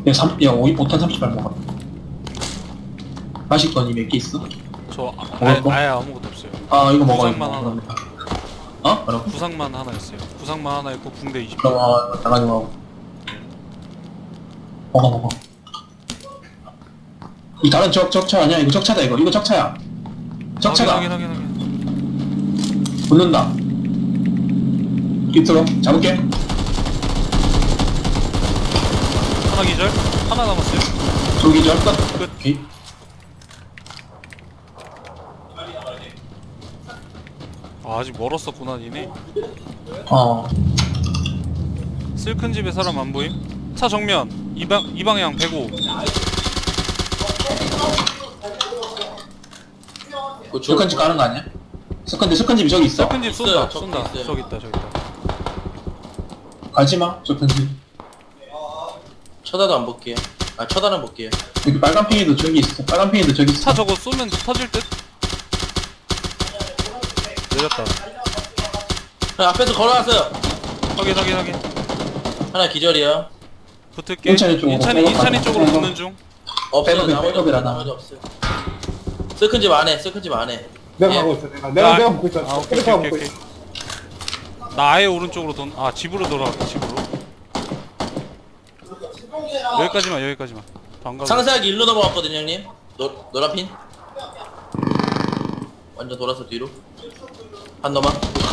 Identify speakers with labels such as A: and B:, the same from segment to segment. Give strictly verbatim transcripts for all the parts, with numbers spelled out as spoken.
A: 야, 삼, 야, 오, 오탄 삼십 발 먹어. 마실 거니 몇 개 있어?
B: 저 아,
A: 먹을
B: 아예,
A: 거?
B: 아예 아무것도 없어요.
A: 아, 이거 먹어.
B: 구상만
A: 이거
B: 하나.
A: 먹어. 어? 뭐라고?
B: 구상만 하나 있어요. 구상만 하나 있고 붕대 이십 개.
A: 그럼, 어, 이거 나가지 먹어. 먹어, 먹어. 이 다른 적, 적차 아니야? 이거 적차다, 이거. 이거 적차야. 적차다.
B: 확인 확인 확인.
A: 붙는다. 깃들어. 잡을게.
B: 하나 기절. 하나 남았어요.
A: 저기 절 끝.
B: 끝.
A: 오케이.
B: 아, 아직 멀었었구나 니네.
A: 어.
B: 슬큰 집에 사람 안 보임? 차 정면 이방 이 방향 백오.
A: 스컨지 까는 거 아니야? 스컨지, 스컨집이 저기 있어.
B: 슬큰 집 쏜다.
C: 있어요, 저기
B: 쏜다.
C: 있어요.
B: 저기 있다. 저기 있다.
A: 가지마, 스컨지.
C: 쳐다도 안 볼게요. 아 쳐다는 볼게요.
A: 여기 빨간 팽이도 저기 있어. 빨간 팽이도 저기 있어.
B: 차 저거 쏘면 터질 듯? 내렸다.
C: 형, 앞에서 걸어왔어요.
B: 확인 확인 확인.
C: 하나 기절이야.
B: 붙을게.
A: 인천이 쪽으로.
B: 인천이 인천이 쪽으로
A: 백업.
B: 붙는 중.
C: 없어요.
A: 백업이,
C: 나머지
A: 백업이라,
C: 없어요.
A: 나.
C: 나머지 없어요. 슬큰 집 안에, 슬큰 집 안에.
D: 내가
C: 예.
D: 가고 있어. 내가 내가
B: 아,
D: 내가 먹고 있어.
B: 아, 오케이
D: 캐릭터
B: 오케이
D: 먹고
B: 오케이.
D: 있어.
B: 나 아예 오른쪽으로 돈. 아 집으로 돌아갈게 집으로. 여기까지만 여기까지만. 안 가고.
C: 상세하게 일로 넘어갔거든요, 형님. 노, 노란 핀. 완전 돌아서 뒤로. 한 넘어.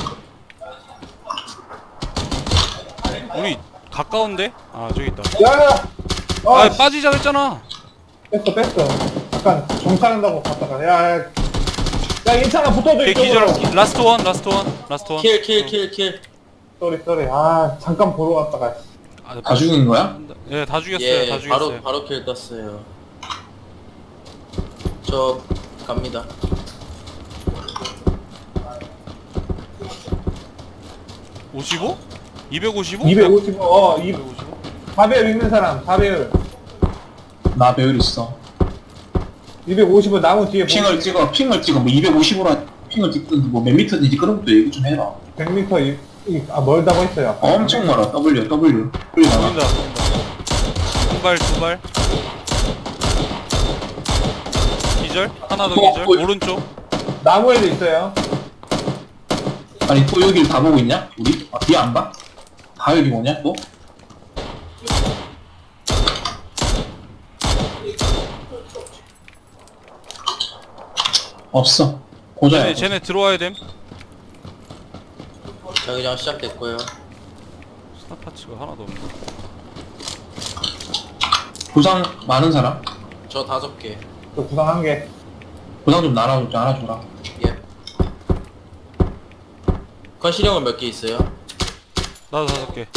B: 우리 가까운데? 아 저기 있다.
D: 야야.
B: 아
D: 아,
B: 빠지자 했잖아.
D: 뺐어 뺐어. 잠깐 정찰한다고 갔다가 야야. 야, 야 괜찮아 붙어줘
B: 걔
D: 이쪽으로.
B: 기절. 라스트 원 라스트 원 라스트 원.
C: 킬, 킬, 킬, 킬.
D: 쏘리 쏘리. 아 잠깐 보러 갔다가.
B: 아,
A: 다 죽인 거야?
B: 예, 다 죽였어요.
C: 예,
B: 다 죽였어요.
C: 바로, 바로 킬 떴어요. 저, 갑니다.
B: 오십오? 이백오십오?
D: 이백오십오. 어, 이
B: 이백오십오?
D: 사 배율 있는 사람 사 배율.
A: 나 배율 있어.
D: 이백오십오 나무 뒤에
A: 핑을 찍어, 핑을 찍어. 뭐 이백오십으로 핑을 찍든지 뭐 몇 미터든지 그런 것도 얘기 좀 해라.
D: 백 미터 이, 이, 아 멀다고 했어요.
A: 엄청 멀어. W, W. W 나가.
B: 보인다 보인다. 한 발, 두 발. 기절? 하나 더
A: 어,
B: 기절?
A: 어.
B: 오른쪽.
D: 나무에도 있어요.
A: 아니 또 여기를 다 보고 있냐? 우리? 아, 뒤에 안 봐? 다 여기 뭐냐 또? 없어. 고자야.
B: 쟤네, 쟤네 들어와야 됨.
C: 자기장 시작됐고요.
B: 스나파츠가 하나도 없네.
A: 부상 많은 사람?
C: 저 다섯 개.
D: 또 구상 한 개.
A: 부상 좀 나눠, 좀 알아줘라.
C: 예. 건실형은 몇 개 있어요?
B: 나도 다섯 개.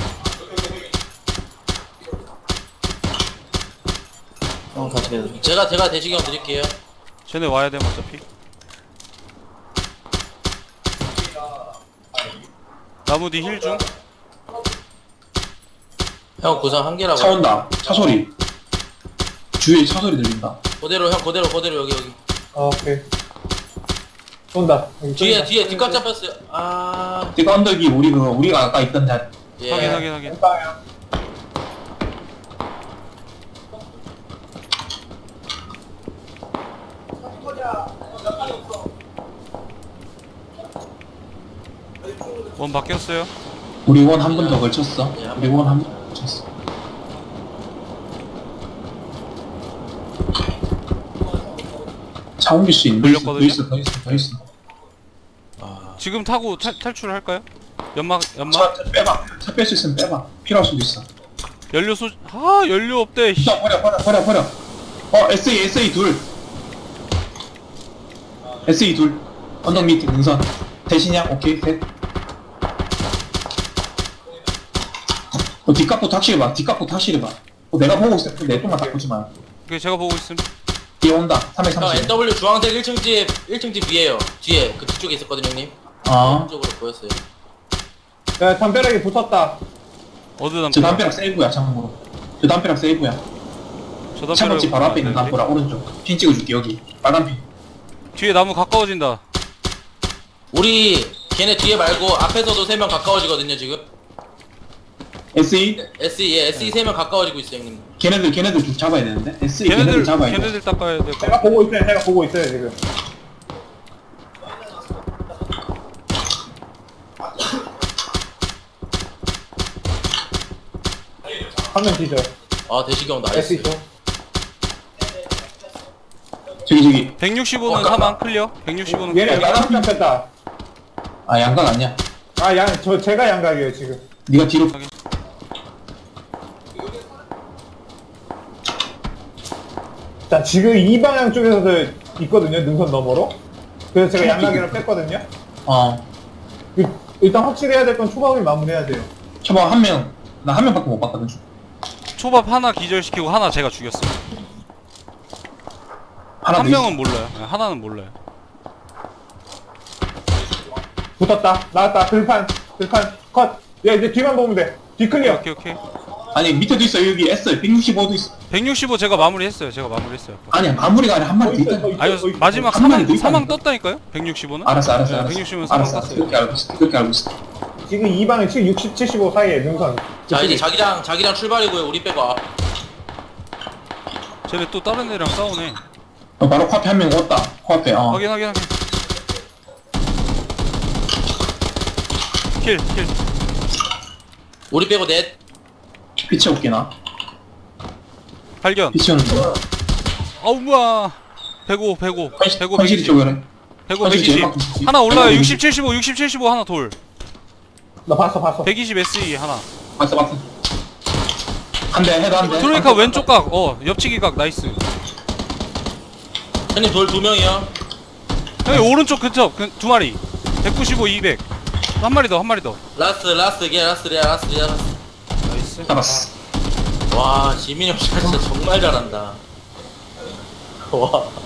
C: 어, 다섯 개. 제가, 제가 대시경 드릴게요.
B: 쟤네 와야 됨 어차피. 나무 뒤 힐 중.
C: 형 구상 한 개라고.
A: 차 온다. 차 소리. 주위에 차 소리 들린다.
C: 그대로, 형 그대로, 그대로 여기, 여기.
D: 어, 오케이. 쏜다. 여기
C: 뒤에,
D: 쏜다.
C: 뒤에, 뒷각 잡혔어요. 아,
A: 그 언덕이 우리 그 우리가 아까 있던 데
C: 예.
B: 확인 확인 확인.
D: 왼방향.
B: 원 바뀌었어요.
A: 우리 원 한 번 더 걸쳤어.
C: 예, 한
A: 우리 원 한 번 더 걸쳤어. 차 옮길 수 있는 더 있어, 더
B: 걸렸거든요?
A: 있어, 더 있어, 더 있어.
C: 아,
B: 지금 타고 탈, 탈출을 할까요? 연막 연막
A: 차, 차 빼봐. 차 뺄 수 있으면 빼봐. 필요할 수도 있어.
B: 연료 소. 아 연료 없대. 씨.
A: 일단 버려, 버려, 버려, 버려. 어, 에스에이, 에스에이 둘. 에스에이 둘. 언덕 밑에 능선. 대신이야? 오케이, 셋. 어, 뒷각부터 확실히 봐. 뒷각부터 확실히 봐. 어, 내가 보고 있어. 내 쪽만 다 보지 마.
B: 오케이 제가 보고 있음.
A: 뒤에 온다.
C: 형
A: 삼백삼십.
C: 엔더블유 주황색 일 층 집, 일 층 집 위에요. 뒤에, 그 뒤쪽에 있었거든요, 형님.
A: 어.
C: 쪽으로 보였어요.
D: 야, 담벼락에 붙었다.
B: 어디
A: 저
B: 담벼락?
A: 담벼락 세이브야, 참고로. 저 담벼락 세이브야.
B: 저 담벼락.
A: 창문집 바로 앞에 있는 담벼락 오른쪽. 핀 찍어줄게, 여기. 빨간 핀.
B: 뒤에 나무 가까워진다.
C: 우리 걔네 뒤에 말고 앞에서도 세 명 가까워지거든요, 지금.
A: 에스이?
C: 에스이 예 에스이 세 명 가까워지고 있어요 형님.
A: 걔네들 걔네들 좀 잡아야 되는데 에스이 걔네들,
B: 걔네들
A: 잡아야 돼.
B: 걔네들 닦아야 될 거.
D: 제가 보고 있어요. 제가 보고 있어요 지금. 화면 뒤져.
C: 아 대시경
D: S
C: 나이스.
D: 있죠.
A: 저기 저기
B: 백육십오는
C: 어,
B: 사망 클리어. 백육십오는
D: 얘네
B: 클리어.
D: 양각 잡혔다.
A: 아 양각 아니야.
D: 아 양 저 제가 양각이에요 지금.
A: 네가 뒤로
D: 자 지금 이 방향 쪽에서도 있거든요 능선 너머로. 그래서 제가 양각이랑 뺐거든요.
A: 어
D: 그, 일단 확실해야 될 건 초밥을 마무리해야 돼요.
A: 초밥 한 명 나 한 명밖에 못 봤거든.
B: 초밥 하나 기절시키고 하나 제가 죽였어요.
A: 하나
B: 한
A: 더 있어.
B: 명은 몰라요. 네, 하나는 몰라요.
D: 붙었다. 나왔다. 들판. 들판. 컷. 야 이제 뒤만 보면 돼. 뒤 클리어.
B: 오케이 오케이.
A: 아니 밑에도 있어 여기 S 백육십오도 있어.
B: 백육십오 제가 마무리했어요. 제가 마무리했어요.
A: 아니야 마무리가 아니라 한
D: 더
A: 마리 더
D: 있어,
A: 있다.
D: 더 있어,
B: 아니
D: 더 있어.
B: 마지막
A: 한
B: 사망
A: 마리 더
B: 사망
A: 있다니까.
B: 떴다니까요? 백육십오는?
A: 알았어 알았어
B: 네,
A: 알았어.
B: 백육십오는 사망
A: 알았어 알았어.
B: 떴어요.
A: 그렇게 알고 있어. 그렇게 알고 있어.
D: 지금 이 방에 지금 육십, 칠십오 사이에 능선.
C: 자 이제 자기랑 자기랑 출발이고요. 우리 빼고 아,
B: 쟤네 또 다른 애랑 싸우네.
A: 어, 바로 코앞에 한 명 왔다. 코앞에 어.
B: 확인 확인 확인. 킬 킬.
C: 우리 빼고 넷.
A: 피치 없기나.
B: 발견.
A: 피치 없는데.
B: 아우 뭐야. 백오 백오 백오
A: 현실이
B: 백이십.
A: 쪽으로.
B: 백오
A: 현실이 제일
B: 백이십.
A: 막-
B: 하나 올라요.
A: 백오
B: 육십 칠십오 육십 칠십오 하나 돌.
D: 나 봤어 봤어.
B: 백이십 에스이 하나.
A: 봤어 봤어. 한 대 해도 한 대.
B: 트로이카 왼쪽 각. 어 옆치기 각 나이스.
C: 형님 돌 두 명이요.
B: 형님 오른쪽 근처 그, 두 마리. 백구십오 이백. 한 마리 더 한 마리 더.
C: 라스트 라스트 게 라스트 게 라스트 게 라스트.
B: 나이스.
A: 잡았어.
C: 와 지민이 형 진짜 정말 잘한다. 와.